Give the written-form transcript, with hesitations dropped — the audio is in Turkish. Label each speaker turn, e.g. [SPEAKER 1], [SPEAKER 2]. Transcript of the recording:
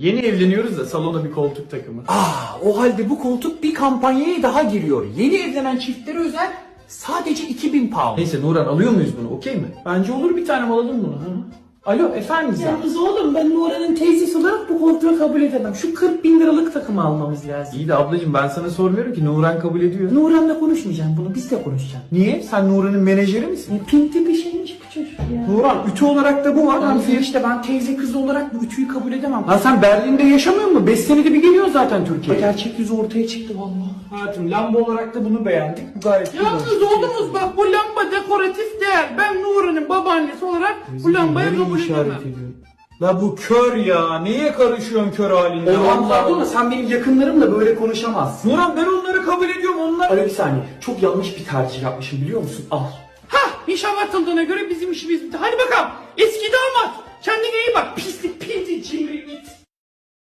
[SPEAKER 1] Yeni evleniyoruz da salona bir koltuk takımı.
[SPEAKER 2] O halde bu koltuk bir kampanyaya daha giriyor. Yeni evlenen çiftlere özel sadece 2000 pound.
[SPEAKER 1] Neyse Nuran alıyor muyuz bunu, okey mi? Bence olur, bir tane alalım bunu. Hı. Alo efendim ya.
[SPEAKER 2] Yalnız oğlum ben Nuran'ın teyzesi olarak bu koltuğu kabul edemem. Şu 40.000 liralık takımı almamız lazım.
[SPEAKER 1] İyi de ablacığım ben sana sormuyorum ki, Nuran kabul ediyor.
[SPEAKER 2] Nuran'la konuşmayacağım bunu, biz de konuşacağım.
[SPEAKER 1] Niye? Sen Nuran'ın menajeri misin?
[SPEAKER 2] Pinti bir şeymiş bu çocuk ya.
[SPEAKER 1] Nuran ütü olarak da bu var.
[SPEAKER 2] Lan işte ben teyze kızı olarak bu ütüyü kabul edemem.
[SPEAKER 1] Lan sen Berlin'de yaşamıyor musun? 5 senede bir geliyorsun zaten Türkiye'ye.
[SPEAKER 2] Gerçek yüzü ortaya çıktı vallahi.
[SPEAKER 1] Hayatım lamba olarak da bunu beğendik. Bu gayet
[SPEAKER 3] Yalnız oğlumuz bak, bu lamba dekoratif değer. Ben Nuran'ın babaannesi olarak bu lambayı kabul edemem.
[SPEAKER 1] La bu kör ya. Niye karışıyorsun kör halinde?
[SPEAKER 2] Orhan pardon da sen benim yakınlarımla böyle konuşamazsın.
[SPEAKER 1] Nuran ben onları kabul ediyorum. Onlar...
[SPEAKER 2] Alo bir saniye. Çok yanlış bir tercih yapmışım biliyor musun? Al.
[SPEAKER 3] Hah, inşaat atıldığına göre bizim işimiz bitti. Hadi bakalım eski damat, kendine iyi bak, pislik pinti cimri it.